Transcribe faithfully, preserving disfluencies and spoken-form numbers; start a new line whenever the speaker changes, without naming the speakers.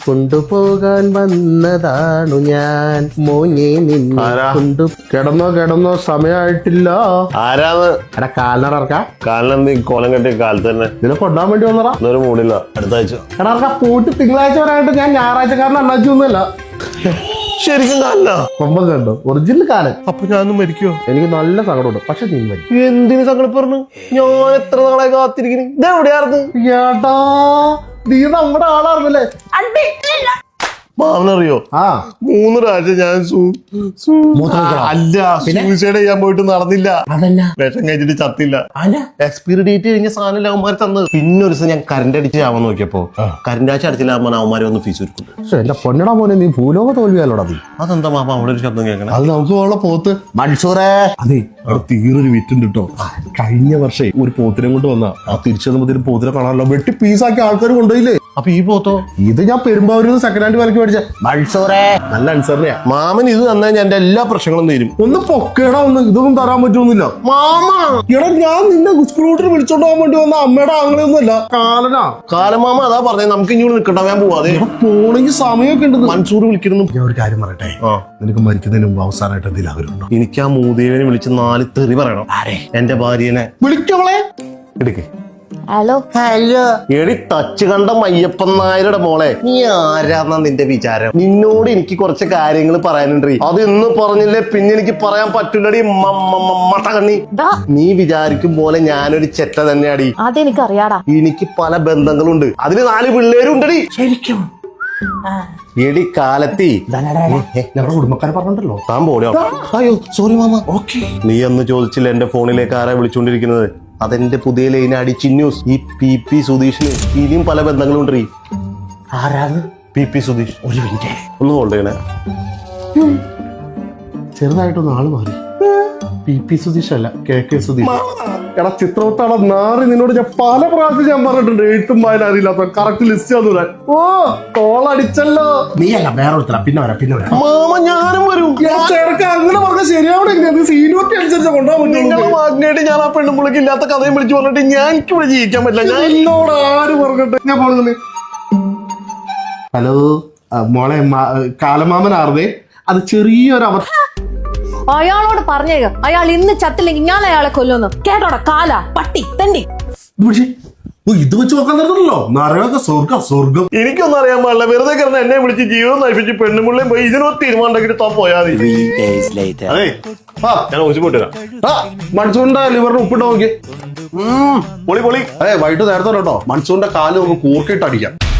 കൊണ്ടുപോകാൻ വന്നതാണു ഞാൻ മോനെ നിന്നെ കൊണ്ടു. കിടന്നോ കിടന്നോ സമയമായിട്ടില്ല.
ആരാന്ന്?
എടാ കാലിനടർക്ക
കാലിനെന്ത് കോലം കെട്ടിയ കാലത്ത് തന്നെ
ഇതിനെ കൊണ്ടാൻ വേണ്ടി വന്നടാ.
ഇന്നൊരു മൂടില്ല, അടുത്ത ആഴ്ച.
എടാ പോയിട്ട് തിങ്കളാഴ്ച വരാനായിട്ട് ഞാൻ ഞായറാഴ്ചക്കാരൻ അണ്ണാച്ചി ഒന്നുമല്ല.
ശരിക്കും കാലില്ല
കൊമ്പം കണ്ടോ ഒറിജിനൽ കാലൻ.
അപ്പൊ ഞാനൊന്നും മരിക്കുവോ?
എനിക്ക് നല്ല സങ്കടമുണ്ട്, പക്ഷെ നീ മരിക്കും.
എന്തിനു സങ്കടം പറഞ്ഞു? ഞാൻ എത്ര നാളെ കാത്തിരിക്കുന്നു. ഇതെവിടെയായിരുന്നു?
ഏട്ടാ നീ നമ്മുടെ ആളാർന്നല്ലേ.
മാവനറിയോ?
ആ
മൂന്ന് പ്രാവശ്യം ഞാൻ അല്ല സൂസൈഡ് ചെയ്യാൻ പോയിട്ട് നടന്നില്ല. വിഷം കഴിച്ചിട്ട് ചത്തില്ല. എക്സ്പയറി ഡേറ്റ് കഴിഞ്ഞ സാധനം അവന്മാർ തന്നത്. പിന്നെ ഒരു ദിവസം ഞാൻ കറണ്ട് അടിച്ച് ആവാൻ നോക്കിയപ്പോ കറണ്ട് ആഴ്ച അടിച്ചില്ല അവന്മാരെ ഒന്ന് ഫീസ് ഒരുക്കും.
പക്ഷെ എന്റെ പൊന്നടാ മോനെ നീ ഭൂലോക തോൽവിയാലോടാ നീ.
അതെന്താ മാമ അവിടെ ഒരു ശബ്ദം കേൾക്കണം?
അത് നമുക്ക് ഉള്ള പോത്ത് മൻസൂറേ. അതെ അവിടെ തീറൊരു വിറ്റുണ്ട് കേട്ടോ. കഴിഞ്ഞ വർഷം ഒരു പോത്തിനെ കൊണ്ട് വന്ന ആ തിരിച്ചു വന്നപ്പോ പോത്തിനെ കാണാനല്ലോ വെട്ടി പീസാക്കി ആൾക്കാർ കൊണ്ടുപോയില്ലേ.
അപ്പൊ ഈ പോത്തോ?
ഇത് ഞാൻ പെരുമ്പാവൂരിൽ സെക്കൻഡ് ഹാൻഡ് വിലക്ക് മേടിച്ച മൻസൂറേ. നല്ല അനുസരണയാ
മാമൻ. ഇത് തന്നാൽ ഞാൻ എന്റെ എല്ലാ പ്രശ്നങ്ങളും തീരും.
ഒന്ന് പൊക്കേടാ, ഒന്ന് ഇതൊന്നും തരാൻ പറ്റുമെന്നില്ല
മാമ.
എടാ ഞാൻ നിന്നെ സ്കൂട്ടർ വിളിച്ചോണ്ട് പോകാൻ വേണ്ടി വന്ന അമ്മയുടെ ആങ്ങളെയൊന്നും അല്ല, കാലനാ.
കാലമാമ അതാ പറഞ്ഞത് നമുക്ക് ഇനി നിൽക്കണ്ട, ഞാൻ പോവാതെ.
പോണെങ്കിൽ സമയമൊക്കെ ഉണ്ട്.
മൻസൂർ വിളിക്കുന്നു.
ഞാൻ ഒരു കാര്യം പറയട്ടെ, നിനക്ക് മരിക്കുന്നതിന് മുമ്പ് അവസാനമായിട്ട് എന്തെങ്കിലും ആഗ്രഹമുണ്ടോ?
എനിക്ക് ആ മൂദേവിനെ വിളിച്ച് നാല് തെറി പറയണം. എന്റെ ഭാര്യനെ
വിളിക്കവളെ
എടുക്കേ.
ഹലോ
ഹലോ എടി ടച്ച് കണ്ട മയ്യപ്പൻ നായരുടെ മോളെ, നീ ആരാന്നാ നിന്റെ വിചാരം? നിന്നോട് എനിക്ക് കുറച്ച് കാര്യങ്ങൾ പറയാനുണ്ട്. അത് ഇന്ന് പറഞ്ഞില്ലേ പിന്നെ എനിക്ക് പറയാൻ പറ്റില്ലടി മട്ടകണ്ണി. നീ വിചാരിക്കും പോലെ ഞാനൊരു ചെറ്റ തന്നെയാടി.
അതെനിക്കറിയാടാ.
എനിക്ക് പല ബന്ധങ്ങളുണ്ട്, അതിന് നാല് പിള്ളേരുണ്ടടി.
ശരിക്കും
എടി കാലത്തി
ഞങ്ങളുടെ കുടുംബക്കാരെ പറഞ്ഞിട്ടല്ലോ.
താൻ പോടിയോ? അയ്യോ സോറി മാമ. ഓക്കെ. നീ അന്ന് ചോദിച്ചില്ല എന്റെ ഫോണിലേക്ക് ആരാ വിളിച്ചോണ്ടിരിക്കുന്നത്? അതെന്റെ പുതിയ ലൈനാടി ചിന്നൂസ്. ഈ പി പി സുധീഷിന് ഇനിയും പല ബന്ധങ്ങളുണ്ട്.
ആരാണ്
പി പി സുധീഷ്? ഒരു മിനിറ്റ് ഒന്ന് ഹോൾഡ് ചെയ്യണേ.
ചെറുതായിട്ടൊന്ന് ആള് മാറി. പി പി സുധീഷ് അല്ല, കെ കെ സുധീഷ്. എടാ ചിത്രവട്ടാളെ നാറി നിന്നോട് ഞാൻ പല പ്രാവശ്യം ഞാൻ പറഞ്ഞിട്ടുണ്ട് എഴുത്തും വായന അറിയില്ലാത്ത കറക്റ്റ് ലിസ്റ്റ് തന്നൂരാൻ. ഓ കോളടിച്ചല്ലോ. നീ അല്ല വേറെ ഒരുത്തരാ. പിന്നെ വരാം പിന്നെ വരാം
മാമ. ഞാനും വരും.
ചേർക്ക അങ്ങനെ പറഞ്ഞാൽ ശരിയാവണേ. സീനിയോറിറ്റി അനുസരിച്ച് കൊണ്ടുപോകാൻ
നിങ്ങളുടെ മാഗ്നേറ്റ് ഞാൻ ആ പെണ്ണുമ്പുള്ളിക്ക് ഇല്ലാത്ത കഥയും വിളിച്ചു പറഞ്ഞിട്ട് ഞാൻ എനിക്ക് ഇവിടെ ജീവിക്കാൻ പറ്റില്ല. ഞാൻ
എന്നോട് ആര് പറഞ്ഞിട്ട് ഞാൻ പോകുന്നത്. ഹലോ മോളെ, കാലമാമനാർന്നേ. അത് ചെറിയൊരു അവർ
അയാളോട് പറഞ്ഞേക്ക, അയാൾ ഇന്ന് ചത്തില്ലെങ്കിൽ ഞാൻ അയാളെ കൊല്ലുന്നു. കേട്ടോടാ കാല പട്ടി തണ്ടി.
ഇത് വെച്ച് നോക്കാൻ തരുന്നല്ലോ. നരക സ്വർഗം സ്വർഗം.
എനിക്കൊന്നും അറിയാൻ പാടില്ല. വെറുതെ കിടന്ന് എന്നെ വിളിച്ച് ജീവിതം നയിപ്പിച്ച് പെണ്ണുമുള്ളേയും പോയി ഇതിനൊരു തീരുമാനം ഉണ്ടാക്കിട്ട് താ പോയാൽ മതി. അതെ ഞാൻ ഒഴിച്ചു പോയിട്ട്
മൺസൂണിന്റെ ലിവറിന് ഉപ്പിട്ട് നോക്കി.
പൊളി പൊളി.
അതെ വൈകിട്ട് നേരത്തെ കേട്ടോ മൺസൂണിന്റെ കാല് നമുക്ക് കൂർക്കിട്ട് അടിക്കാം.